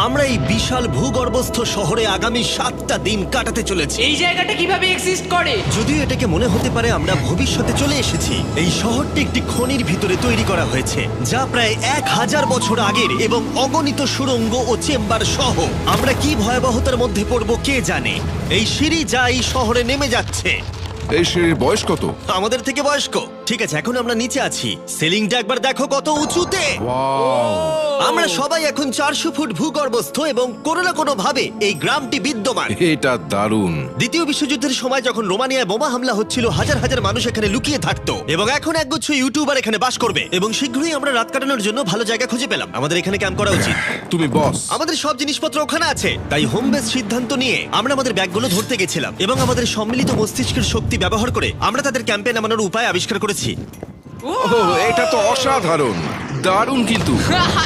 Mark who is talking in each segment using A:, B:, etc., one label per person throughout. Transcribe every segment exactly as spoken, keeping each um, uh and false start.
A: আমরা এই বিশাল ভূগর্ভস্থ শহরে আগামী সাতটা দিন কাটাতে চলেছি।
B: এই জায়গাটা কিভাবে এক্সিস্ট করে?
A: যদিও এটাকে মনে হতে পারে আমরা ভবিষ্যতে চলে এসেছি, এই শহরটি একটি খনির ভিতরে তৈরি করা হয়েছে যা প্রায় এক হাজার বছর আগের এবং অগণিত সুড়ঙ্গ ও চেম্বার সহ। আমরা কি ভয়াবহতার মধ্যে পড়ব কে জানে। এই সিঁড়ি যা এই শহরে নেমে যাচ্ছে
C: এই সিঁড়ির বয়স কত?
A: আমাদের থেকে বয়স্ক। ঠিক আছে, এখন আমরা নিচে আছি। সিলিংটা একবার দেখো কত উঁচুতে। আমরা সবাই এখন চারশো ফুট ভূগর্ভস্থ এবং কোনো না কোনো ভাবে এই গ্রামটি বিদ্যমান।
C: এটা দারুণ।
A: দ্বিতীয় বিশ্বযুদ্ধের সময় যখন রোমানিয়ায় বোমা হামলা হচ্ছিল, হাজার হাজার মানুষ এখানে লুকিয়ে থাকতো এবং এখন একগুচ্ছ ইউটিউবার এখানে বাস করবে। এবং শীঘ্রই আমরা রাত কাটানোর জন্য ভালো জায়গা খুঁজে পেলাম। আমাদের এখানে ক্যাম্প করা উচিত।
C: তুমি বস।
A: আমাদের সব জিনিসপত্র ওখানে আছে, তাই হোম বেস সিদ্ধান্ত নিয়ে আমরা আমাদের ব্যাগগুলো ধরতে গেছিলাম এবং আমাদের সম্মিলিত মস্তিষ্কের শক্তি ব্যবহার করে আমরা তাদের ক্যাম্পে নামানোর উপায় আবিষ্কার করেছি।
C: ওহ, এটা তো অসাধারণ, দারুণ। কিন্তু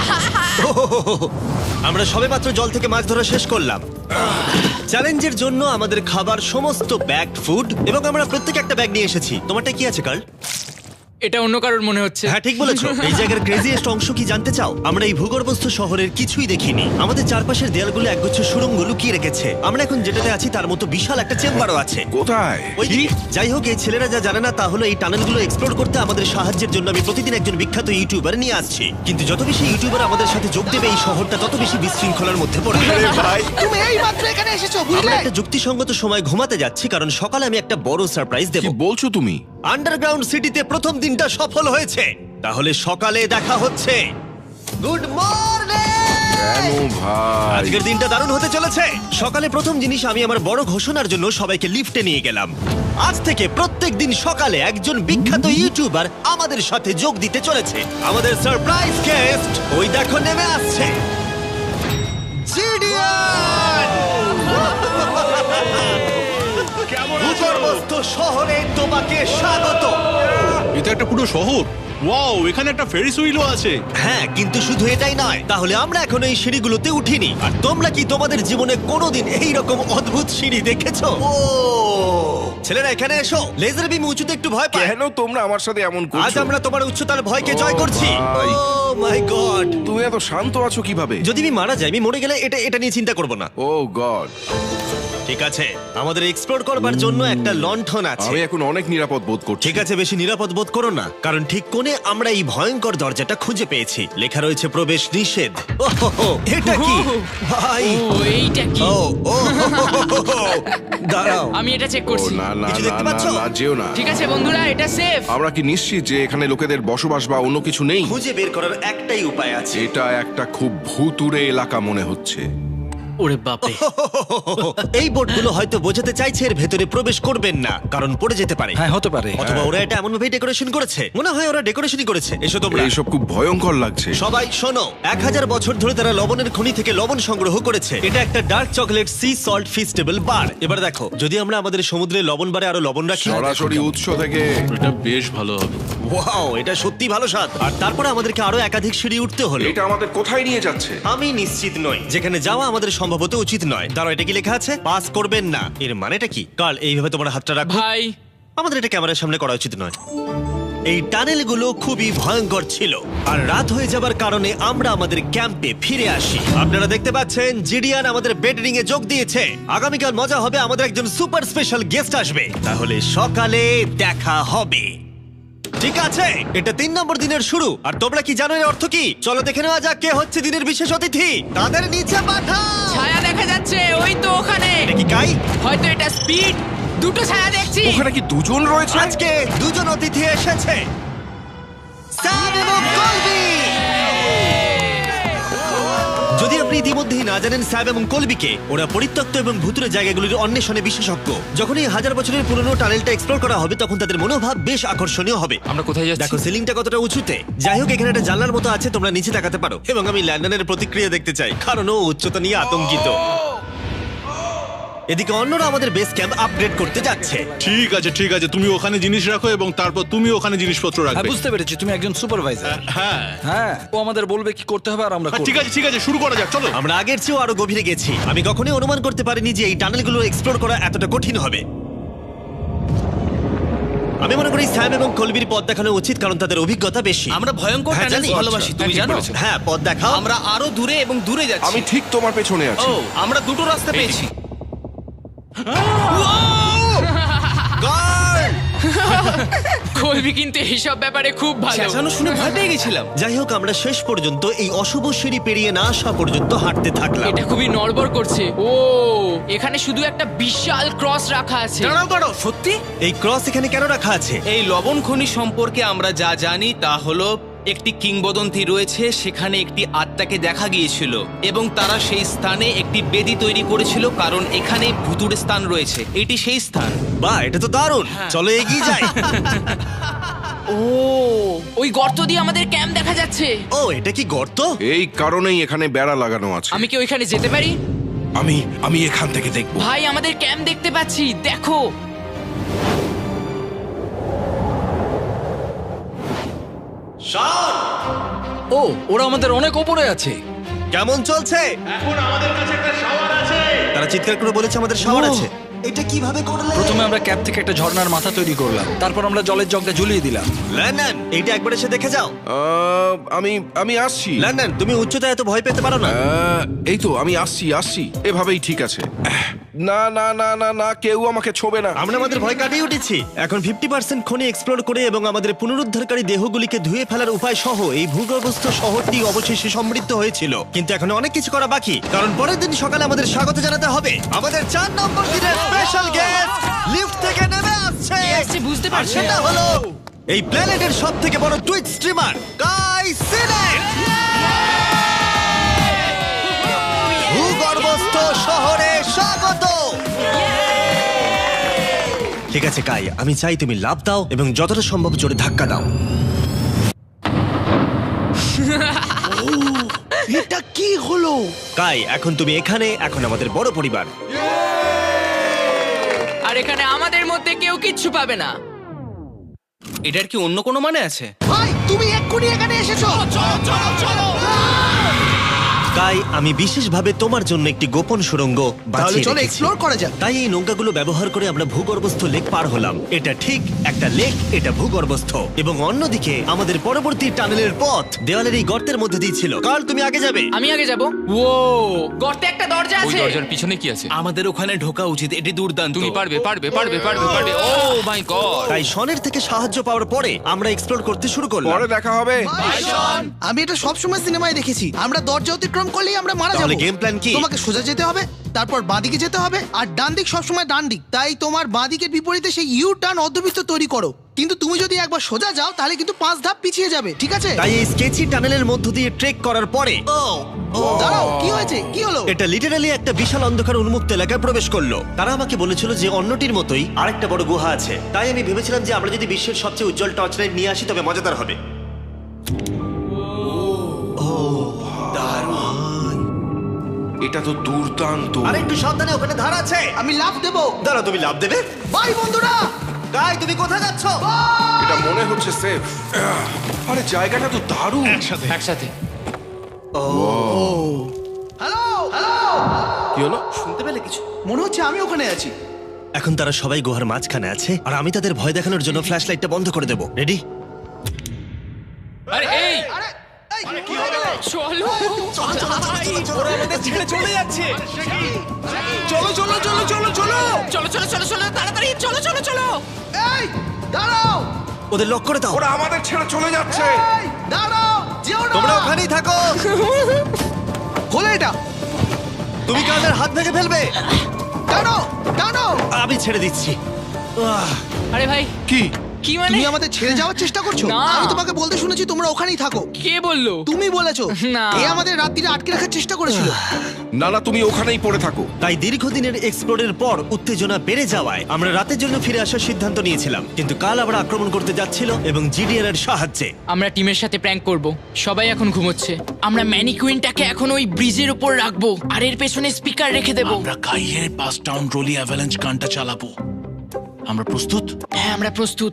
A: আমরা সবেমাত্র জল থেকে মাছ ধরা শেষ করলাম। চ্যালেঞ্জের জন্য আমাদের খাবার সমস্ত ব্যাগ ফুড এবং আমরা প্রত্যেকে একটা ব্যাগ নিয়ে এসেছি। তোমারটা কি আছে কার্ল?
B: এটা অন্য কারোর মনে হচ্ছে।
A: হ্যাঁ, ঠিক বলেছো। এই জায়গার ক্রেজিয়েস্ট অংশ কি জানতে চাও? আমরা এই ভূগর্ভস্থ শহরের কিছুই দেখিনি। আমাদের চারপাশের দেয়ালগুলো একগুচ্ছ সুড়ঙ্গ লুকিয়ে রেখেছে। আমরা এখন যেটাতে আছি তার মতো বিশাল একটা চেম্বারও আছে।
C: কোথায়?
A: ওই দিকে। যাই হোক, এই ছেলেরা যা জানে না তা হলো এই টানেলগুলো এক্সপ্লোর করতে আমাদের সাহায্যের জন্য আমি প্রতিদিন একজন বিখ্যাত ইউটিউবার নিয়ে আসছি। কিন্তু যত বেশি ইউটিউবার আমাদের সাথে যোগ দেবে এই শহরটা তত বেশি বিশৃঙ্খলার মধ্যে পড়বে। ভাই,
D: তুমি এই মাত্র এখানে এসেছো,
A: আমরা
D: বুঝলে?
A: একটা যুক্তিসঙ্গত সময় ঘুমাতে যাচ্ছি কারণ সকালে আমি একটা বড় সারপ্রাইজ দেব।
C: কি বলছো তুমি?
A: আন্ডারগ্রাউন্ড সিটিতে প্রথম দিনটা সফল হয়েছে। তাহলে সকালে দেখা হচ্ছে। Good morning!
C: কেন ভাই?
A: আজকের দিনটা দারুণ হতে চলেছে। সকালে প্রথম জিনিস, আমি আমার বড় ঘোষণার জন্য সবাইকে লিফটে নিয়ে গেলাম। আজ থেকে প্রত্যেক দিন সকালে একজন বিখ্যাত ইউটিউবার আমাদের সাথে যোগ দিতে চলেছে। আমাদের সারপ্রাইজ গেস্ট ওই দেখো নেমে আসছে। জিডিয়ান! ভূগর্ভস্থ শহরে তোমাকে স্বাগত।
E: এটা একটা পুরো শহর। ওয়াও, এখানে একটা ফেরিস হুইলও আছে।
A: হ্যাঁ, কিন্তু শুধু এটাই নয়। তাহলে আমরা এখন এই সিঁড়িগুলোতে উঠিনি। আর তোমরা কি তোমাদের জীবনে কোনোদিন এই রকম অদ্ভুত সিঁড়ি দেখেছো? ও ছেলেরা, এখানে এসো। লেজার বিম উঁচুতে একটু ভয় পায়।
C: কেন তোমরা আমার সাথে এমন
A: আজ
C: করছো?
A: আমরা তোমার উচ্চতার ভয়কে জয়
C: ও
A: করছি।
C: ভাই।
A: Oh my God!
C: তুমি এত শান্ত আছো কিভাবে?
A: যদি আমি মারা যাই, আমি মরে গেলে এটা এটা নিয়ে চিন্তা করব না।
C: Oh God.
A: ঠিক আছে, আমাদের এক্সপ্লোর করবার জন্য একটা লণ্ঠন আছে।
C: আমি এখন অনেক নিরাপদ বোধ করছি।
A: ঠিক আছে, বেশি নিরাপদ বোধ করো না, কারণ ঠিক কোণে আমরা এই ভয়ঙ্কর দরজাটা খুঁজে পেয়েছি। লেখা রয়েছে প্রবেশ নিষেধ। ওহো, এটা কি ভাই?
B: ও এইটা কি?
A: ও ও দাঁড়াও,
B: আমি এটা চেক
C: ও
B: করছি।
C: না না
A: কিছু
C: না
A: দেখতে
C: না
A: পাচ্ছো?
C: না, যেও না।
B: ঠিক আছে বন্ধুরা, এটা সেফ।
C: আমরা কি নিশ্চিত যে এখানে লোকেদের বসবাস বা অন্য কিছু নেই?
A: খুঁজে বের করার একটাই উপায় আছে।
C: এটা একটা খুব ভুতুড়ে এলাকা মনে হচ্ছে।
B: ওরে বাপরে।
A: এই বোর্ডগুলো হয়তো বোঝাতে চাইছে এর ভেতরে প্রবেশ করবেন না, কারণ পড়ে যেতে পারে।
D: হ্যাঁ, হতে পারে।
A: অথবা ওরা এটা এমন ভাবে ডেকোরেশন করেছে, মনে হয় ওরা ডেকোরেশনই করেছে। এসো তোমরা।
C: এইসব খুব ভয়ঙ্কর লাগছে।
A: সবাই শোনো, এক হাজার বছর ধরে তারা লবণের খনি থেকে লবণ সংগ্রহ করেছে। এটা একটা dark chocolate sea salt Feastables bar. এবার দেখো, যদি আমরা আমাদের সমুদ্রে লবণ বারে আরো লবণ রাখি।
C: সরাসরি উৎস থেকে।
E: এটা বেশ ভালো হবে।
A: ওয়াও, এটা সত্যি ভালো স্বাদ। আর তারপরে আমাদেরকে আরো একাধিক সিঁড়ি উঠতে হলো।
C: এটা আমাদের কোথায় নিয়ে যাচ্ছে?
A: আমি নিশ্চিত নই। যেখানে যাওয়া আমাদের সম্ভবত উচিত নয়। দাঁড়াও, এটা কি লেখা আছে? পাস করবেন না। এর মানেটা কি? কাল এইভাবে তোমার হাতটা রাখো।
B: ভাই,
A: আমাদের এটা ক্যামেরার সামনে করা উচিত নয়। এই টানেলগুলো খুবই ভয়ঙ্কর ছিল, আর রাত হয়ে যাবার কারণে আমরা আমাদের ক্যাম্পে ফিরে আসি। আপনারা দেখতে পাচ্ছেন জিডিয়ান আমাদের বেডরিং এ যোগ দিয়েছে। আগামীকাল মজা হবে, আমাদের একজন সুপার স্পেশাল গেস্ট আসবে। তাহলে সকালে দেখা হবে। ঠিক আছে, এটা তিন নম্বর দিনের শুরু। আর তোমরা কি জানো এর অর্থ কি? চলো দেখে নেওয়া যাক কে হচ্ছে দিনের বিশেষ অতিথি। তাদের নিচে পাঠাও।
B: ছায়া দেখা যাচ্ছে ওই তো ওখানে।
A: এটা কি কাই?
B: হয়তো এটা স্পিড। দুটো ছায়া দেখছি।
C: ওখানে কি দুজন রয়েছে?
A: আজকে দুজন অতিথি এসেছে, স্যাম এবং কলবি। যদি আপনি ইতিমধ্যেই না জানেন স্যাম এবং কলবিকে, ওরা পরিত্যক্ত এবং ভুতুরে জায়গাগুলির অন্বেষণে বিশেষজ্ঞ। যখন এই হাজার বছরের পুরনো টানেলটা এক্সপ্লোর করা হবে তখন তাদের মনোভাব বেশ আকর্ষণীয় হবে।
B: আমরা কোথায় যাচ্ছি?
A: দেখো সিলিংটা কতটা উঁচুতে। যাই হোক, এখানে একটা জানলার মতো আছে, তোমরা নিচে তাকাতে পারো। এবং আমি ল্যান্ডনের প্রতিক্রিয়া দেখতে চাই, কারণ ও উচ্চতা নিয়ে আতঙ্কিত। এদিকে অন্যরা আমাদের বেস ক্যাম্প আপগ্রেড করতে যাচ্ছে।
E: ঠিক আছে ঠিক আছে, তুমি ওখানে জিনিস রাখো এবং তারপর তুমি ওখানে জিনিসপত্র
D: হ্যাঁ,
E: রাখবে।
D: বুঝতে পেরেছি, তুমি একজন সুপারভাইজার।
E: হ্যাঁ
D: হ্যাঁ, ও আমাদের বলবে কি করতে হবে আর আমরা
E: হ্যাঁ,
D: করব।
E: ঠিক আছে ঠিক আছে, শুরু করা যাক, চলো।
A: আমরা আগের চেয়েও আরো গভীরে গেছি। আমি কখনোই অনুমান করতে পারিনি যে এই টানেলগুলো এক্সপ্লোর করা এতটা কঠিন হবে। আমি মনে করি স্যাম এবং কলবির পথ দেখানো উচিত, কারণ তাদের অভিজ্ঞতা বেশি।
F: আমরা ভয়ঙ্কর
A: হ্যাঁ,
F: টানেল
A: জানি।
F: ভালোবাসি, তুমি জানো?
A: হ্যাঁ, পথ দেখাও।
F: আমরা আরো দূরে এবং দূরে যাচ্ছি।
C: আমি ঠিক তোমার পেছনে আছি।
F: ও, আমরা দুটো রাস্তা পেয়েছি।
A: Guard!
B: কলবি কিন্তু এইসব ব্যাপারে খুব ভালো।
F: চেঁচানো শুনে ভয় পেয়ে গেছিলাম।
A: যাই হোক, আমরা শেষ পর্যন্ত এই অশুভ সিঁড়ি পেরিয়ে না আসা পর্যন্ত হাঁটতে থাকলাম।
B: এটা খুবই নড়বড় করছে। ও, এখানে শুধু একটা বিশাল ক্রস রাখা আছে।
F: দাঁড়াও দাঁড়াও, সত্যি?
A: এই ক্রস এখানে কেন রাখা আছে?
F: এই লবণ খনি সম্পর্কে আমরা যা জানি তা হলো একটি কিংবদন্তি রয়েছে, সেখানে একটি আত্মাকে দেখা গিয়েছিল এবং তারা সেই স্থানে একটি বেদি তৈরি করেছিল, কারণ এখানে ভুতুড়ে স্থান রয়েছে। এটি সেই স্থান।
A: বাহ, এটা তো দারুণ। চলো এগিয়ে যাই।
B: ও, ওই গর্ত দিয়ে আমাদের ক্যাম্প দেখা যাচ্ছে।
A: ও, এটা কি গর্ত?
C: এই কারণেই এখানে বেড়া লাগানো আছে।
B: আমি কি ওইখানে যেতে পারি?
C: আমি আমি এখান থেকে দেখব।
B: ভাই, আমাদের ক্যাম্প দেখতে পাচ্ছি, দেখো।
D: ও, ওরা আমাদের অনেক ওপরে আছে।
A: কেমন চলছে? এখন আমাদের কাছে একটা শাওয়ার আছে। তারা চিৎকার করে বলেছে আমাদের শাওয়ার
D: ও।
A: আছে। এটা কিভাবে করলে?
D: প্রথমে আমরা ক্যাপ থেকে একটা ঝর্ণার মাথা তৈরি করলাম, তারপর আমরা জলের জগটা ঝুলিয়ে দিলাম।
A: লন্ডন, এইটা একবার এসে দেখে যাও।
C: আহ, আমি আমি আসছি।
A: লন্ডন, তুমি উচ্চতায় এত ভয় পেতে পারো না।
C: আহ, এই তো আমি আসছি আসছি এভাবেই ঠিক আছে। আহ, না না না না না কেউ আমাকে ছোবে না।
A: আমরা আমাদের ভয় কাটিয়ে উঠেছি। এখন ফিফটি পার্সেন্ট খনি এক্সপ্লোর করে এবং আমাদের পুনরুদ্ধারকারী দেহগুলিকে ধুয়ে ফেলার উপায় সহ এই ভূগর্ভস্থ শহরটি অবশেষে সমৃদ্ধ হয়েছিল। কিন্তু এখন অনেক কিছু করা বাকি, কারণ পরের দিন সকালে আমাদের স্বাগত জানাতে হবে আমাদের চার নম্বর দিনের স্পেশাল গেস্ট লিফট থেকে নেমে আসছে।
B: কে আসছে বুঝতে
A: আর
B: পারছি
A: সেটা
B: না।
A: হলো এই প্ল্যানেটের সব থেকে বড় টুইট স্ট্রিমার গাই সিলেট। ভূগর্ভস্থ শহরে স্বাগত। ঠিক আছে কাই, আমি চাই তুমি লাফ দাও এবং যতটা সম্ভব জোরে ধাক্কা দাও।
D: এটা কি হলো?
A: কাই, এখন তুমি এখানে, এখন আমাদের বড় পরিবার।
B: আর এখানে আমাদের মধ্যে কেউ কিচ্ছু পাবে না।
F: এটার কি অন্য কোনো মানে আছে?
D: ভাই, তুমি এক্ষুনি এখানে এসেছো। চলো চলো চলো।
A: কাই, আমি বিশেষভাবে তোমার জন্য একটি গোপন সুড়ঙ্গ বাছিয়ে
D: চলো
A: রেখেছি।
D: এক্সপ্লোর করা যাক।
A: তাই এই নৌকাগুলো ব্যবহার করে আমরা ভূগর্ভস্থ লেক পার হলাম। এটা ঠিক একটা লেক, এটা ভূগর্ভস্থ, এবং অন্যদিকে আমাদের পরবর্তী টানেলের পথ দেওয়ালের এই গর্তের মধ্যে দিয়ে ছিল। কাল, তুমি আগে যাবে।
B: আমি আগে যাব। ও, গর্তে একটা দরজা
G: ওই
B: আছে।
G: দরজার পিছনে কি আছে?
F: আমাদের ওখানে ঢোকা উচিত, এটি দুর্দান্ত।
G: তুমি পারবে পারবে পারবে পারবে পারবে ও মাই গড!
A: তাই শনের থেকে সাহায্য পাওয়ার পরে আমরা এক্সপ্লোর করতে শুরু করলাম।
C: পরে দেখা হবে।
H: আমি এটা সবসময় সিনেমায় দেখেছি, আমরা দরজা অতিক্রম করলেই আমরা মারা
A: তাহলে
H: যাবো।
A: game plan কি?
H: তোমাকে সোজা যেতে হবে, তারপর বাঁদিকে যেতে হবে, আর ডান দিক সবসময় ডান দিক। তাই তোমার বাঁদিকের বিপরীতে সেই ইউ টার্ন অর্ধবৃত্ত তৈরি করো। কিন্তু তুমি যদি একবার সোজা যাও তাহলে কিন্তু পাঁচ ধাপ পিছিয়ে যাবে, ঠিক আছে?
A: তাই এই স্কেচি টানেলের মধ্য দিয়ে ট্রেক করার পরে
H: দাঁড়াও, কি হয়েছে? কি হলো?
A: এটা লিটারালি একটা বিশাল অন্ধকার উন্মুক্ত এলাকায় প্রবেশ করলো। তারা আমাকে বলেছিল যে অন্যটির মতোই আরেকটা বড় গুহা আছে। তাই আমি ভেবেছিলাম যে আমরা যদি বিশ্বের সবচেয়ে উজ্জ্বল টর্চ লাইট নিয়ে আসি তবে মজাদার হবে।
C: এটা তো দুর্দান্ত।
A: আর একটু সাবধানে, ওখানে ধার আছে।
H: আমি লাফ দেবো।
A: দাঁড়াও, তুমি লাভ দেবে?
H: বাই বন্ধুরা।
A: গাই, তুমি কোথায় যাচ্ছ?
C: এটা মনে হচ্ছে সেফ। আরে জায়গাটা তো দারুণ।
G: একসাথে
H: হ্যালো হ্যালো,
C: কি হলো?
F: শুনতে পেলে কিছু?
H: মনে হচ্ছে আমি ওখানে আছি।
A: এখন তারা সবাই গুহার মাঝখানে আছে, আর আমি তাদের ভয় দেখানোর জন্য ফ্ল্যাশ লাইটটা বন্ধ করে দেবো। রেডি?
G: আরে এই
H: আরে এই, কি হয়ে গেল?
B: চলো।
F: ওরা আমাদের ছেড়ে চলে যাচ্ছে।
H: চলো চলো চলো চলো চলো।
B: চলো চলো চলো চলো তাড়াতাড়ি চলো চলো চলো।
H: এই দাঁড়াও,
A: ওদের লক করে দাও।
C: ওরা আমাদের ছেড়ে চলে যাচ্ছে।
H: এই দাঁড়াও, যেও না।
A: তোমরা ওখানেই থাকো।
H: খোলো এটা।
A: তুমি কাদের হাত ভেঙে ফেলবে।
H: টানো টানো।
A: আমি ছেড়ে দিচ্ছি। আহ,
B: আরে ভাই,
C: কি?
B: কি মানে?
H: তুমি আমাদের ছেড়ে যাওয়ার চেষ্টা করছো?
B: না।
H: আমি তোমাকে বলতে শুনেছি তোমরা ওখানেই থাকো।
B: কে বললো?
H: তুমি বলেছো।
B: না।
H: এ আমাদের রাত্রিরে আটকে রাখার চেষ্টা করেছিল।
C: না না তুমি ওখানেই পড়ে থাকো।
A: তাই দীর্ঘদিনের এক্সপ্লোরের পর উত্তেজনা বেড়ে যাওয়ায় আমরা রাতের জন্য ফিরে আসার সিদ্ধান্ত নিয়েছিলাম। কিন্তু কাল আবার আক্রমণ করতে যাচ্ছিল এবং জিডিআর এর সাহায্যে।
B: আমরা টিমের সাথে প্র্যাঙ্ক করব। সবাই এখন ঘুমোচ্ছে। আমরা ম্যানিকুইনটাকে এখন ওই ব্রিজের উপর রাখবো আর এর পেছনে স্পিকার রেখে দেব।
E: আমরা কাইয়ের পাস টাউন রোলি অ্যাভালাঞ্চ গানটা চালাবো। আমরা প্রস্তুত?
B: হ্যাঁ, আমরা প্রস্তুত।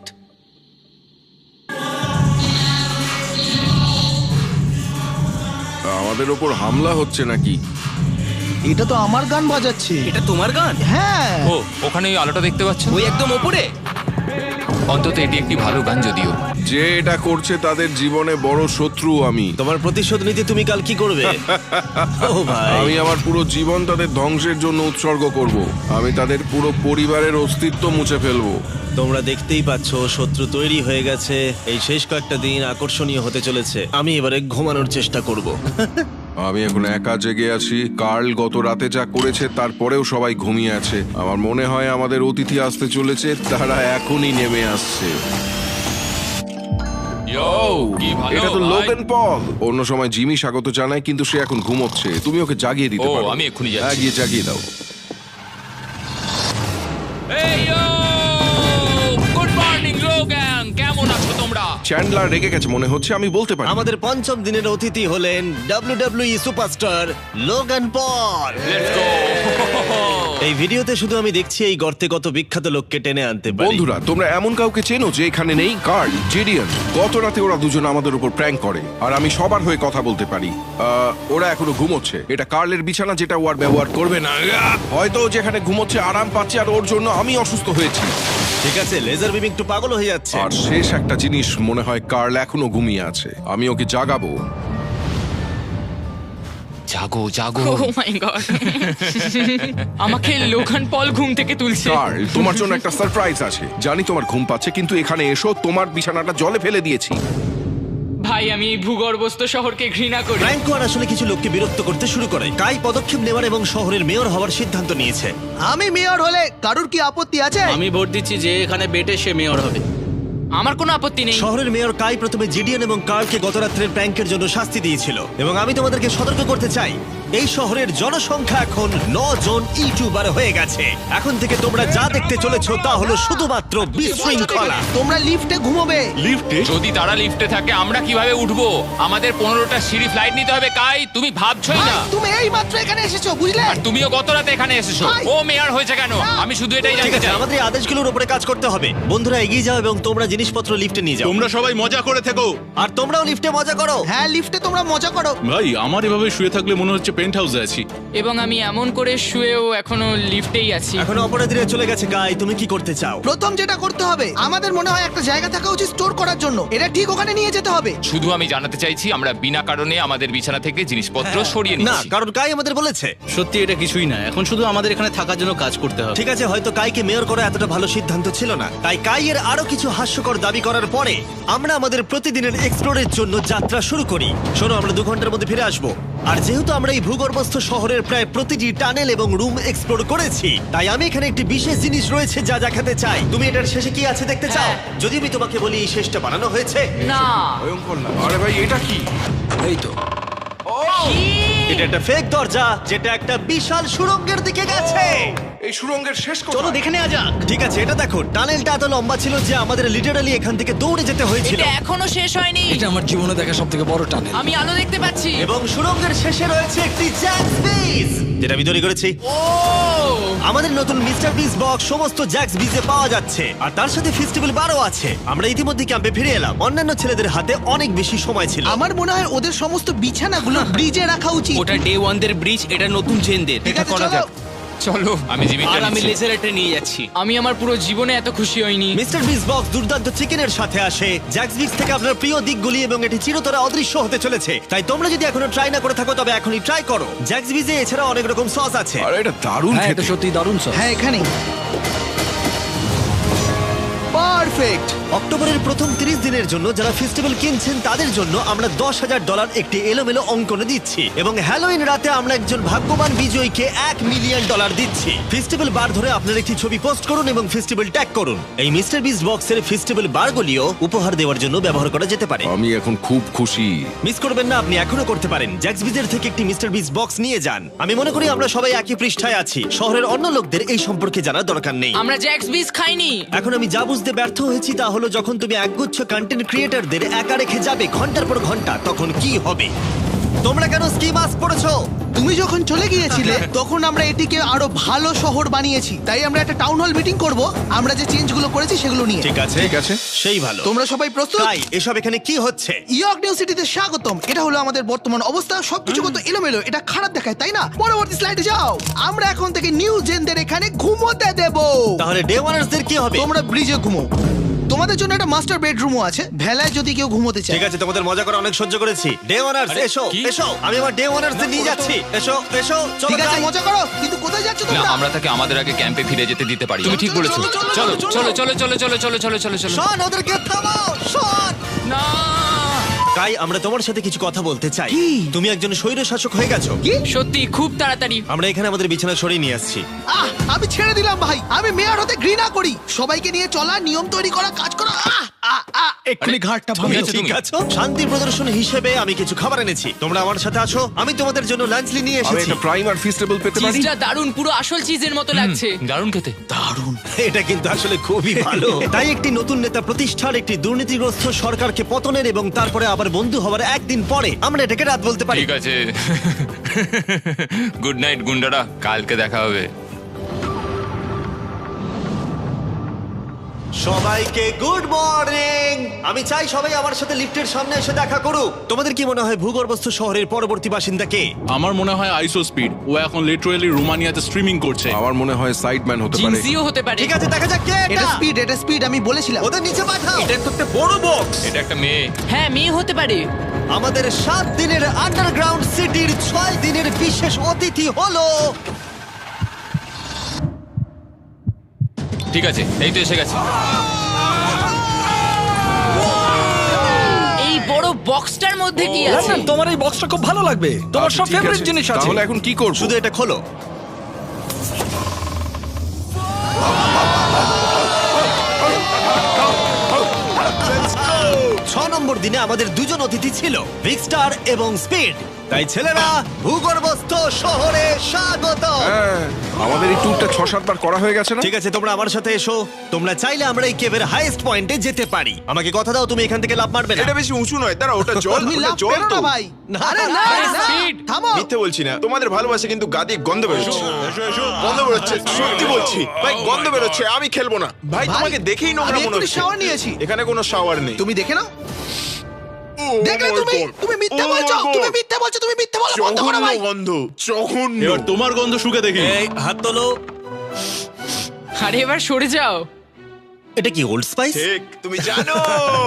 C: আমাদের ওপর হামলা হচ্ছে নাকি?
H: এটা তো আমার গান বাজাচ্ছে।
F: এটা তোমার গান?
H: হ্যাঁ।
G: ও ওখানে ওই আলোটা দেখতে পাচ্ছ?
F: ওই একদম ওপরে।
G: অন্তত এটি একটি ভালো গান যদিও।
C: যে এটা করছে তাদের জীবনে বড় শত্রু আমি
A: তোমার প্রতিশোধ নিতে তুমি কাল কি করবে? ও ভাই,
C: আমি আমার পুরো জীবন তাদের ধ্বংসের জন্য উৎসর্গ করব। আমি তাদের পুরো পরিবারের অস্তিত্ব মুছে ফেলবো।
A: তোমরা দেখতেই পাচ্ছ শত্রু তৈরি হয়ে গেছে। এই শেষ কয়েকটা দিন আকর্ষণীয় হতে চলেছে। আমি এবারে ঘুমানোর চেষ্টা করব।
C: আমি এখন একা জেগে আছি। কার্ল গত রাতে যা করেছে তারপরেও সবাই ঘুমিয়ে আছে। আমার মনে হয় আমাদের অতিথি আসতে চলেছে, তারা এখনই নেমে আসছে।
G: কি ভালো
C: এটা তো
G: ভাই।
C: Logan Paul. অন্য সময় জিমি স্বাগত জানায়, কিন্তু সে এখন ঘুমোচ্ছে। তুমি ওকে জাগিয়ে দিতে
G: ও,
C: পারো।
G: আমি এক্ষুনি যাচ্ছি।
C: হ্যাঁ, গিয়ে জাগিয়ে দাও।
G: এই ইয়ো! গুড মর্নিং লোগান, কেমন আছো তোমরা?
C: চ্যান্ডলার রেগে গেছে মনে হচ্ছে, আমি বলতে পারি।
A: আমাদের পঞ্চম দিনের অতিথি হলেন W W E superstar Logan Paul.
G: Let's go!
A: এই ভিডিওতে শুধু আমি দেখছি এই গর্তে কত বিখ্যাত লোককে টেনে আনতে পারি।
C: বন্ধুরা, তোমরা এমন কাউকে চেনো যে এখানে নেই? কার্ল, জেডিয়ান। গত রাতে ওরা দুজন আমাদের উপর প্র্যাঙ্ক করে, আর আমি সবার হয়ে কথা বলতে পারি। আহ, ওরা এখনো ঘুমোচ্ছে। এটা কার্লের বিছানা, যেটা ও আর ব্যবহার করবে না। আহ! হয়তো ও যেখানে ঘুমোচ্ছে আরাম পাচ্ছে, আর ওর জন্য আমি অসুস্থ হয়েছি।
A: ঠিক আছে, লেজার বিম একটু পাগল হয়ে যাচ্ছে।
C: আর শেষ একটা জিনিস, মনে হয় কার্ল এখনো ঘুমিয়ে আছে। আমি ওকে জাগাবো।
G: জাগো জাগো।
B: ও মাই গড, আমাকে লোগান পল ঘুম থেকে তুলছে।
C: কার্ল, তোমার জন্য একটা সারপ্রাইজ আছে। জানি তোমার ঘুম পাচ্ছে, কিন্তু এখানে এসো, তোমার বিছানাটা জলে ফেলে দিয়েছি।
B: ভাই, আমি এই ভূগর্ভস্থ শহরকে ঘৃণা করি।
A: ফ্র্যাঙ্কো আর আসলে কিছু লোককে বিরক্ত করতে শুরু করে। কাই পদক্ষেপ নেওয়ার এবং শহরের মেয়র হওয়ার সিদ্ধান্ত নিয়েছে।
H: আমি মেয়র হলে কারুর কি আপত্তি আছে?
D: আমি ভোট দিচ্ছি যে এখানে বেটে সে মেয়র হবে।
B: আমার কোনো আপত্তি নেই।
A: শহরের মেয়র কাই প্রথমে জিডিএন এবং কার্লকে গত রাত্রের প্র্যাঙ্কের জন্য শাস্তি দিয়েছিল, এবং আমি তোমাদেরকে সতর্ক করতে চাই, এই শহরের জনসংখ্যা এখন ন জন ইউটিউবার হয়ে গেছে। এখন থেকে তোমরা যা দেখতে চলেছো তা হলো শুধুমাত্র বিশৃঙ্খলা।
H: তোমরা লিফটে ঘুমোবে।
G: যদি তারা লিফটে থাকে আমরা কিভাবে উঠবো? আমাদের পনেরোটা সিঁড়ি ফ্লাইট নিতে হবে। কাই, তুমি ভাবছোই
H: ভাই,
G: না।
H: তুমি এই মাত্র এখানে এসেছো, বুঝলে?
G: আর তুমিও গত রাতে এখানে এসেছো।
H: ভাই!
G: ও মেয়র হয়েছে কেন? আমি শুধু এটাই
A: ঠিক
G: জানতে
A: আছে,
G: চাই।
A: আমাদের এই আদেশগুলোর উপরে কাজ করতে হবে। বন্ধুরা, এগিয়ে যাও এবং তোমরা জিনিসপত্র লিফটে নিয়ে যাও।
I: তোমরা সবাই মজা করে থেকো।
A: আর তোমরাও লিফটে মজা করো।
H: হ্যাঁ, লিফটে তোমরা মজা করো।
I: ভাই, আমার এভাবে শুয়ে থাকলে মনে হচ্ছে পেন্ট হাউসে আছি।
B: এবং আমি এমন করে শুয়েও এখনো লিফটেই আছি।
A: এখন অপরাধীরা চলে গেছে। কাই, তুমি কি করতে চাও?
H: প্রথম যেটা করতে হবে, আমাদের মনে হয় একটা জায়গা থাকা উচিত স্টোর করার জন্য। এটা ঠিক ওখানে নিয়ে যেতে হবে।
G: শুধু আমি জানাতে চাইছি আমরা বিনা কারণে আমাদের বিছানা থেকে জিনিসপত্র
H: হ্যাঁ।
G: সরিয়ে
A: না,
G: নিচ্ছি।
A: কারণ কাই আমাদের বলেছে।
D: সত্যি এটা কিছুই না, এখন শুধু আমাদের এখানে থাকার জন্য কাজ করতে হবে।
A: ঠিক আছে, হয়তো কাইকে মেয়র করা এতটা ভালো সিদ্ধান্ত ছিল না। তাই কাইয়ের আরো কিছু হাস্যকর দাবি করার পরে আমরা আমাদের প্রতিদিনের এক্সপ্লোরের জন্য যাত্রা শুরু করি। শোনো, আমরা দু ঘন্টার মধ্যে ফিরে আসবো। আর যেহেতু আমরা এই ভূগর্ভস্থ শহরের প্রায় প্রতিটি টানেল এবং রুম এক্সপ্লোর করেছি, তাই আমি এখানে একটি বিশেষ জিনিস রয়েছে যা দেখাতে চাই। তুমি এটার শেষে কি আছে দেখতে চাও?
B: হ্যাঁ।
A: যদি আমি তোমাকে বলি এই শেষটা বানানো হয়েছে।
B: না,
C: ভয়ঙ্কর না? আরে ভাই, এটা কি?
D: এই তো
A: এটা একটা ফেক দরজা, যেটা একটা বিশাল সুড়ঙ্গের দিকে গেছে।
C: এই সুড়ঙ্গের শেষ কোথায়?
H: চলো দেখে নেওয়া যাক।
A: ঠিক আছে, এটা দেখো, টানেলটা এত লম্বা ছিল যে আমাদের লিটারালি এখান থেকে দৌড়ে যেতে হয়েছিল।
B: এটা এখনো শেষ হয়নি।
D: এটা আমার জীবনে দেখা সব থেকে বড় টানেল।
B: আমি আলো দেখতে পাচ্ছি।
A: এবং সুড়ঙ্গের শেষে রয়েছে একটি জ্যাক্স বিজ, যেটা আমি তৈরি করেছি।
B: ও,
A: আমাদের নতুন মিস্টার বিস বক্স সমস্ত জ্যাক্স বিজে পাওয়া যাচ্ছে, আর তার সাথে ফেস্টিভ্যাল বারও আছে। আমরা ইতিমধ্যে ক্যাম্পে ফিরে এলাম। অন্যান্য ছেলেদের হাতে অনেক বেশি সময় ছিল।
H: আমার মনে হয় ওদের সমস্ত বিছানাগুলো ব্রিজে রাখা উচিত।
F: ওটা ডে ওয়ান দের ব্রিজ, এটা নতুন জেনদের।
H: ঠিক আছে, চলো।
G: চলো, আমি জিমিটা
F: আর আমি
G: নিচ্ছি।
F: লেজারটা নিয়ে যাচ্ছি।
B: আমি আমার পুরো জীবনে এত খুশি হইনি।
A: মিস্টার বিস বক্স দুর্দান্ত চিকেনের সাথে আসে, জ্যাক্স বিজ থেকে আপনার প্রিয় দিকগুলি, এবং এটি চিরতরে অদৃশ্য হতে চলেছে। তাই তোমরা যদি এখনো ট্রাই না করে থাকো তবে এখনই ট্রাই করো। জ্যাক্স বিজে এছাড়া অনেক রকম সস আছে।
C: আরে এটা দারুণ
D: হ্যাঁ, এটা
C: খেতে।
D: সত্যি দারুণ সব।
H: হ্যাঁ, এখানে পারফেক্ট।
A: অক্টোবরের প্রথম তিরিশ দিনের জন্য যারা ফেস্টিভ্যাল কিনছেন তাদের জন্য আমরা দশ হাজার ডলার একটি এলোমেলো অঙ্কনে দিচ্ছি, এবং হ্যালোইন রাতে আমরা একজন ভাগ্যবান বিজয়ীকে এক মিলিয়ন ডলার দিচ্ছি। ফেস্টিভ্যাল বার ধরে আপনার একটি ছবি পোস্ট করুন এবং ফেস্টিভ্যাল ট্যাগ করুন। এই মিস্টার বিস বক্সের ফেস্টিভ্যাল বারগুলিও উপহার দেওয়ার জন্য ব্যবহার করা যেতে পারে।
C: আমি এখন খুব খুশি।
A: মিস করবেন না, আপনি এখনো করতে পারেন। জ্যাক্স বিজের থেকে একটি মিস্টার বিস বক্স নিয়ে যান। আমি মনে করি আমরা সবাই একই পৃষ্ঠায় আছি। শহরের অন্য লোকদের এই সম্পর্কে জানার দরকার নেই।
B: আমরা জ্যাক্স বিজ খাইনি।
A: এখন আমি যা বুঝতে ব্যর্থ হয়েছি তা হলো, যখন তুমি একগুচ্ছ কন্টেন্ট ক্রিয়েটরদের একা রেখে যাবে ঘন্টার পর ঘন্টা, তখন কি হবে? তোমরা কেন স্কি মাস্ক পরেছো?
H: তুমি যখন চলে গিয়েছিলে তখন আমরা এটিকে আরো ভালো শহর বানিয়েছি। তাই আমরা একটা টাউন হল মিটিং করব, আমরা যে চেঞ্জগুলো করেছি সেগুলো নিয়ে।
A: ঠিক আছে,
C: ঠিক আছে।
A: সেই ভালো।
H: তোমরা সবাই প্রস্তুত?
A: তাই এসব এখানে কি হচ্ছে?
H: ইয়র্ক নিউ সিটিতে স্বাগতম। এটা হলো আমাদের বর্তমান অবস্থা। সবকিছু কত এলোমেলো, এটা খারাপ দেখায়, তাই না? পরবর্তী স্লাইডে যাও। আমরা এখন থেকে নিউ জেনদের এখানে ঘুমোতে দেব।
A: তাহলে ডে ওয়ানার্সদের কি হবে?
H: তোমরা ব্রিজে ঘুমো। তোমাদের জন্য একটা মাস্টার বেডরুমও আছে, ভেলায় যদি কেউ ঘুমোতে চায়।
A: ঠিক আছে, তোমাদের মজা করে অনেক সহ্য করেছি। ডে ওয়ানার্স
G: আরে,
A: এসো
G: কি?
A: এসো, আমি আমার ডে ওয়ানার্স নিয়ে যাচ্ছি। এসো এসো, চলো
H: ঠিক আছে,
A: যাই।
H: মজা করো, কিন্তু কোথায় যাচ্ছ
G: না
H: তোমরা?
G: আমরা তাকে আমাদের আগে ক্যাম্পে ফিরে যেতে দিতে পারি। তুমি ঠিক
H: চলো,
G: বলেছো।
H: চলো,
G: চলো
H: চলো,
G: চলো চলো চলো চলো চলো চলো চলো চলো।
A: শন, ওদেরকে থামাও, শন।
G: না
A: তাই আমরা তোমার সাথে কিছু কথা বলতে চাই। তুমি একজন স্বৈর শাসক হয়ে গেছো।
B: সত্যি খুব তাড়াতাড়ি।
A: আমরা এখানে আমাদের বিছানা সরিয়ে নিয়ে আসছি।
H: আহ, আমি ছেড়ে দিলাম ভাই, আমি মেয়র হতে ঘৃণা করি। সবাইকে নিয়ে চলা, নিয়ম তৈরি করা, কাজ করা। আহ, আহ, আহ, এক্ষুনি ঘাটটা
A: তুমি
H: ভাঙে।
G: আছো
A: ঠিক
G: তুমি?
A: আছো? শান্তি প্রদর্শন হিসেবে আমি কিছু খাবার এনেছি, তোমরা আমার সাথে আসো। আমি তোমাদের জন্য লাঞ্চ নিয়ে
C: আমি
A: এসেছি।
C: একটা প্রাইম আর ফিস্টেবল পেতে পারি?
B: চিজটা দারুন, পুরো আসল চিজের মতো লাগছে।
G: দারুণ খেতে।
A: এটা কিন্তু আসলে খুবই ভালো। তাই একটি নতুন নেতা প্রতিষ্ঠার, একটি দুর্নীতিগ্রস্ত সরকারকে পতনের এবং তারপরে আবার বন্ধু হওয়ার একদিন পরে আমরা এটাকে রাত বলতে পারি।
G: ঠিক আছে। গুড নাইট গুন্ডারা, কালকে দেখা হবে।
A: সবাইকে গুড মর্নিং। আমি চাই সবাই আমার সাথে লিফটের সামনে এসে দেখা করুক। তোমাদের কি মনে হয় ভূগর্ভস্থ শহরের পরবর্তী বাসিন্দা কে?
I: আমার মনে হয় আইসো স্পিড, ও এখন লিটারালি রোমানিয়াতে স্ট্রিমিং করছে।
C: আমার মনে হয় সাইডম্যান হতে পারে।
B: জিনসিও হতে পারে।
A: ঠিক আছে, দেখা যাক কে
H: এটা
A: এটা।
H: স্পিড, এটা স্পিড, আমি বলেছিলাম।
A: ওদের নিচে পাঠাও। এটা একটা বড় বক্স।
G: এটা একটা মেয়ে।
B: হ্যাঁ, মেয়ে হতে পারে।
A: আমাদের সাত দিনের আন্ডারগ্রাউন্ড সিটির ছয় দিনের বিশেষ অতিথি হলো
G: ঠিক আছে, এই তো এসে গেছে।
B: এই বড় বক্সটার মধ্যে কি আছে?
D: লন্ডন, তোমার এই বক্সটা খুব ভালো লাগবে, তোমার
C: আচ্ছা,
D: সব
C: ঠিক
D: ফেভারিট
C: আছে।
D: জিনিস আছে।
C: তাহলে এখন কি করব?
A: শুধু এটা খোলো। ছ নম্বর দিনে আমাদের দুজন অতিথি ছিল, ভিক্সটার এবং স্পিড। তাই ছেলেরা, ভূগর্ভস্থ শহরে স্বাগত।
C: হ্যাঁ, আমাদের এই ট্যুরটা ছ সাতবার করা হয়ে গেছে না?
A: ঠিক আছে, তোমরা আমার সাথে এসো। তোমরা চাইলে আমরা এই কেভের হাইয়েস্ট পয়েন্টে যেতে পারি। আমাকে কথা দাও, তুমি এখান থেকে লাফ মারবে না।
J: এটা বেশি উঁচু নয়, দাঁড়া, ওটা জল,
H: তুমি
J: ওটা
H: লাভ
J: জল
H: পেরো
J: তো।
H: না ভাই।
A: না,
H: আরে না,
B: আরে
H: না,
B: speed।
H: থামো।
J: মিথ্যে বলছি না, তোমাদের ভালোবাসা কিন্তু গাদি গন্ধ বেরোচ্ছে। গন্ধ বেরোচ্ছে, সত্যি বলছি ভাই, গন্ধ বেরোচ্ছে। আমি খেলবো না ভাই,
H: ভাই,
J: তোমাকে দেখেই নোংরা
H: আমি
J: মনে
H: এক্ষুনি
J: হচ্ছে।
H: shower নিয়েছি।
J: এখানে কোনো শাওয়ার নেই।
H: তুমি দেখে নাও।
J: Oh
H: দেখলে
J: my
H: তুমি,
J: God!
H: তুমি মিথ্যা
J: Oh my
H: বলছো,
J: God!
H: তুমি মিথ্যা বলছো, তুমি মিথ্যা বলো, বন্ধ করো
J: জঘন্য
H: ভাই।
J: গন্ধ, জঘন্য।
I: এবার তোমার গন্ধ শুকে দেখি।
A: এই হাত তোলো।
B: আরে এবার সরে যাও।
A: এটা কি ওল্ড স্পাইস?
J: ঠিক, তুমি জানো।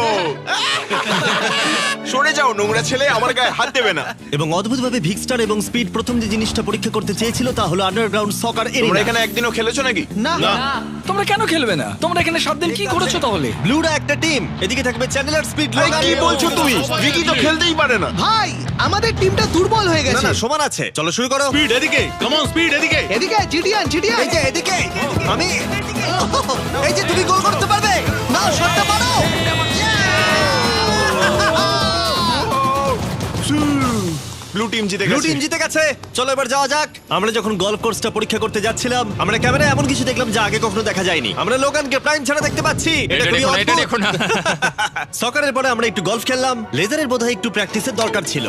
J: সরে যাও নোংরা ছেলে, আমার গায়ে হাত দেবে না।
A: এবং অদ্ভুতভাবে ভিক্সটার এবং স্পিড প্রথম যে জিনিসটা পরীক্ষা করতে চেয়েছিল তা হলো আন্ডারগ্রাউন্ড সকার
J: তোমরা
A: এরিয়া।
J: এখানে একদিনও খেলেছো নাকি?
H: না,
D: তোমরা কেন খেলবে না? তোমরা এখানে সাত দিন কি করেছো তাহলে?
A: ব্লুরা একটা টিম, এদিকে থাকবে চ্যানেলার, স্পিড,
J: ভাই,
A: লোগান।
J: কি বলছো তুমি? ভিকি তো খেলতেই পারে না।
H: ভাই, আমাদের টিমটা দুর্বল হয়ে
A: না
H: গেছে।
A: না, সমান আছে। চলো শুরু করো।
I: স্পিড এদিকে, কাম অন স্পিড এদিকে।
H: এদিকে জিডিয়ান, জিডিয়ান।
A: এই যে এদিকে, আমি এই যে তুমি গোল করতে পারবে না, শটটা মারো।
J: ব্লু টিম জিতে
A: ব্লু
J: গেছে।
A: টিম জিতে গেছে। চলো এবার যাওয়া যাক। আমরা যখন গলফ কোর্সটা পরীক্ষা করতে যাচ্ছিলাম, আমরা ক্যামেরায় এমন কিছু দেখলাম যা আগে কখনো দেখা যায়নি। আমরা লোগানকে প্রাইম ছাড়া দেখতে পাচ্ছি।
G: এটা
A: খুবই
G: দেখো না, এটা
A: অদ্ভুত।
G: দেখো না।
A: সকারের পরে আমরা একটু গলফ খেললাম। লেজারের বোধহয় একটু প্র্যাকটিসের দরকার ছিল।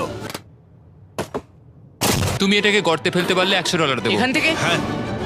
G: তুমি এটাকে গর্তে ফেলতে পারলে একশো ডলার দেবো।
B: এখান থেকে
A: হ্যাঁ,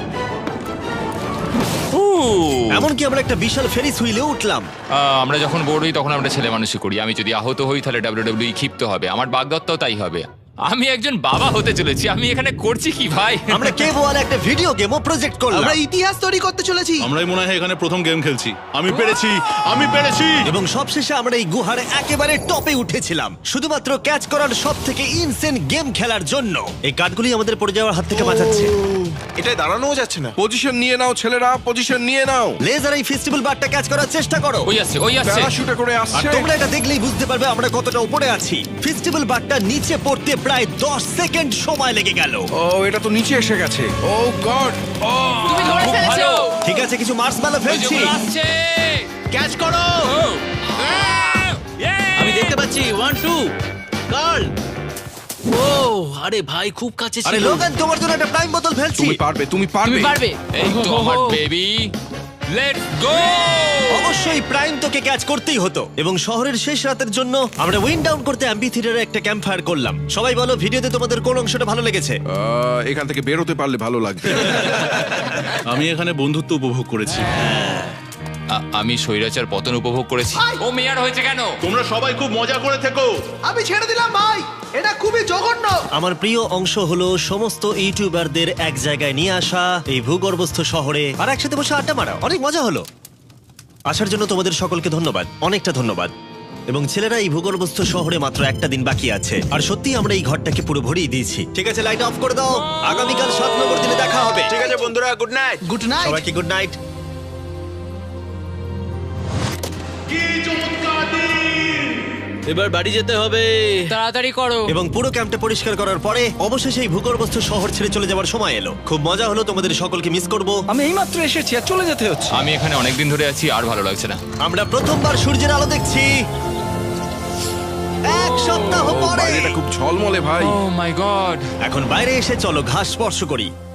A: এমনকি আমরা একটা বিশাল ফেরিস হুইলে উঠলাম।
G: আহ, আমরা যখন বোর্ড হই তখন আমরা ছেলে মানুষই করি। আমি যদি আহত হই তাহলে ডাব্লিউডাব্লিউ ক্ষিপ্ত হবে। আমার বাগদত্তাও তাই হবে। আমি একজন বাবা হতে চলেছি। আমি এখানে করছি কি ভাই?
A: আমরা কেভ ওয়ালে একটা ভিডিও গেমও প্রজেক্ট করলাম
H: আমরা ইতিহাস তৈরি করতে চলেছি।
I: আমরাই মনে হয় এখানে প্রথম গেম খেলছি। আমি পেরেছি, আমি পেরেছি।
A: এবং সবশেষে আমরা এই গুহার একেবারে টপে উঠেছিলাম শুধুমাত্র ক্যাচ করার সব থেকে ইনসেন গেম খেলার জন্য। এই কাঠগুলি আমাদের পড়ে যাওয়ার হাত থেকে বাঁচাচ্ছে।
J: এটাই দাঁড়ানোও যাচ্ছে না।
C: পজিশন নিয়ে নাও ছেলেরা, পজিশন নিয়ে নাও।
A: লেজার এই ফেস্টিভ্যাল বারটা ক্যাচ করার চেষ্টা করো।
G: ওই আসছে, ওই আসছে।
C: প্যারাশুটে করে
A: আর
C: আসছে।
A: তোমরা এটা দেখলেই বুঝতে পারবে আমরা কতটা উপরে আছি। ফেস্টিভ্যাল বারটা নিচে পড়তে প্রায় দশ সেকেন্ড সময় লেগে গেল।
C: ও, এটা তো নিচে এসে গেছে। ও গড। ও,
B: তুমি ধরে
G: খুব
B: ফেলেছো।
G: ভালো।
A: ঠিক আছে, কিছু মার্সম্যালো
G: ওই যে
A: ফেলছি।
G: ওগুলো আসছে।
A: ক্যাচ করো।
K: আমি দেখতে পাচ্ছি ওয়ান টু গার্ল। ও আরে ভাই, খুব কাছে
A: আরে
K: ছিল।
A: লোগান, তোমার জন্য একটা প্রাইম বোতল ফেলছি।
C: তুমি পারবে, তুমি পারবে।
B: তুমি পারবে।
G: এই তো আমার বেবি। Let's go.
A: অবশ্যই প্রাইম তোকে ক্যাচ করতেই হতো। এবং শহরের শেষ রাতের জন্য আমরা উইন্ড ডাউন করতে অ্যাম্পি থিয়েটারে একটা ক্যাম্প ফায়ার করলাম। সবাই বলো, ভিডিওতে তোমাদের কোন অংশটা ভালো লেগেছে?
C: আহ, এখান থেকে বেরোতে পারলে ভালো লাগবে।
I: আমি এখানে বন্ধুত্ব উপভোগ করেছি।
G: আ- আমি স্বৈরাচার পতন উপভোগ করেছি। ও মেয়ার হয়েছে কেন?
I: তোমরা সবাই খুব মজা করে থেকো।
H: আমি ছেড়ে দিলাম ভাই, এটা খুবই জঘন্য।
A: আমার প্রিয় অংশ হলো সমস্ত ইউটিউবারদের এক জায়গায় নিয়ে আসা এই ভূগর্ভস্থ শহরে আর একসাথে বসে আড্ডা মারা। অনেক মজা হলো। আসার জন্য তোমাদের সকলকে ধন্যবাদ, অনেকটা ধন্যবাদ। এবং ছেলেরা, এই ভূগর্ভস্থ শহরে মাত্র একটা দিন বাকি আছে, আর সত্যি আমরা এই ঘরটাকে পুরো ভরিয়ে দিয়েছি। ঠিক আছে, লাইট অফ করে দাও। আগামীকাল সাত নম্বর দিনে দেখা হবে।
J: ঠিক আছে বন্ধুরা, গুড নাইট।
H: Good night.
A: সবাইকে গুড নাইট।
K: এবার বাড়ি যেতে হবে।
B: তাড়াতাড়ি করো।
A: এবং পুরো ক্যাম্পটা পরিষ্কার করার পরে অবশেষে এই ভূগর্ভস্থ শহর ছেড়ে চলে যাওয়ার সময় এলো। খুব মজা হলো, তোমাদের সকলকে মিস করব।
D: আমি এইমাত্র এসেছি আর চলে যেতে হচ্ছে।
G: আমি এখানে অনেকদিন ধরে আছি, আর ভালো লাগছে না।
A: আমরা প্রথমবার সূর্যের আলো দেখছি এক সপ্তাহ
C: ও,
A: পরে।
C: বাইরেটা খুব ঝলমলে ভাই।
G: Oh my God.
A: এখন বাইরে এসে চলো ঘাস স্পর্শ করি।